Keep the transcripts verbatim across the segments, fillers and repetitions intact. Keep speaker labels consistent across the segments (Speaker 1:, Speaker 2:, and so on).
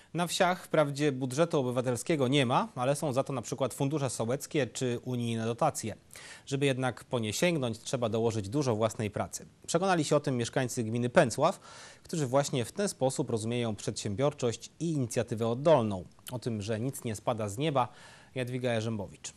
Speaker 1: Na wsiach wprawdzie budżetu obywatelskiego nie ma, ale są za to na przykład fundusze sołeckie czy unijne dotacje. Żeby jednak po nie sięgnąć, trzeba dołożyć dużo własnej pracy. Przekonali się o tym mieszkańcy gminy Pęcław, którzy właśnie w ten sposób rozumieją przedsiębiorczość i inicjatywę oddolną. O tym, że nic nie spada z nieba, Jadwiga Jarzębowicz.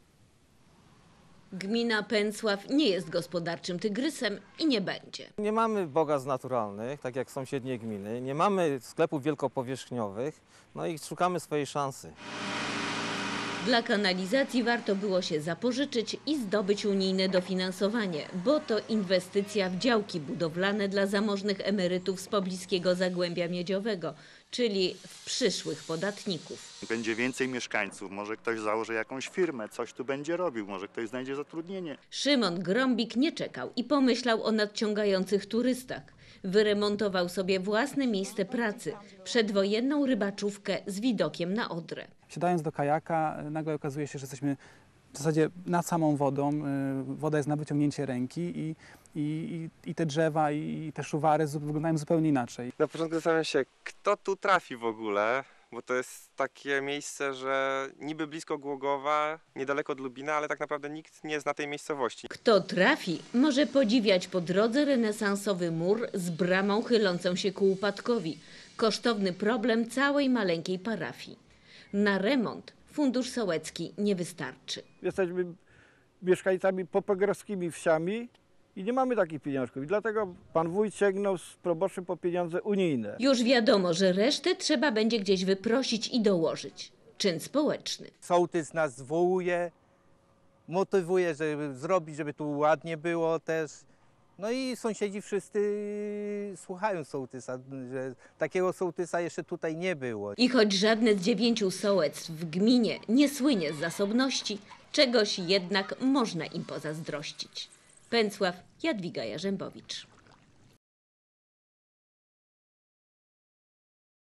Speaker 2: Gmina Pęcław nie jest gospodarczym tygrysem i nie będzie.
Speaker 3: Nie mamy bogactw naturalnych, tak jak sąsiednie gminy, nie mamy sklepów wielkopowierzchniowych, no i szukamy swojej szansy.
Speaker 2: Dla kanalizacji warto było się zapożyczyć i zdobyć unijne dofinansowanie, bo to inwestycja w działki budowlane dla zamożnych emerytów z pobliskiego Zagłębia Miedziowego, czyli w przyszłych podatników.
Speaker 4: Będzie więcej mieszkańców, może ktoś założy jakąś firmę, coś tu będzie robił, może ktoś znajdzie zatrudnienie.
Speaker 2: Szymon Grąbik nie czekał i pomyślał o nadciągających turystach. Wyremontował sobie własne miejsce pracy, przedwojenną rybaczówkę z widokiem na Odrę.
Speaker 5: Siadając do kajaka, nagle okazuje się, że jesteśmy w zasadzie nad samą wodą. Woda jest na wyciągnięcie ręki i, i, i te drzewa i te szuwary wyglądają zupełnie inaczej.
Speaker 6: Na początku zastanawiam się, kto tu trafi w ogóle, bo to jest takie miejsce, że niby blisko Głogowa, niedaleko od Lubina, ale tak naprawdę nikt nie zna tej miejscowości.
Speaker 2: Kto trafi, może podziwiać po drodze renesansowy mur z bramą chylącą się ku upadkowi. Kosztowny problem całej maleńkiej parafii. Na remont fundusz sołecki nie wystarczy.
Speaker 7: Jesteśmy mieszkańcami popogrowskimi wsiami i nie mamy takich pieniążków. I dlatego pan wójt sięgnął z proboszczem po pieniądze unijne.
Speaker 2: Już wiadomo, że resztę trzeba będzie gdzieś wyprosić i dołożyć. Czyn społeczny.
Speaker 8: Sołtys nas zwołuje, motywuje, żeby zrobić, żeby tu ładnie było też. No i sąsiedzi wszyscy słuchają sołtysa, że takiego sołtysa jeszcze tutaj nie było.
Speaker 2: I choć żadne z dziewięciu sołectw w gminie nie słynie z zasobności, czegoś jednak można im pozazdrościć. Pęcław, Jadwiga Jarzębowicz.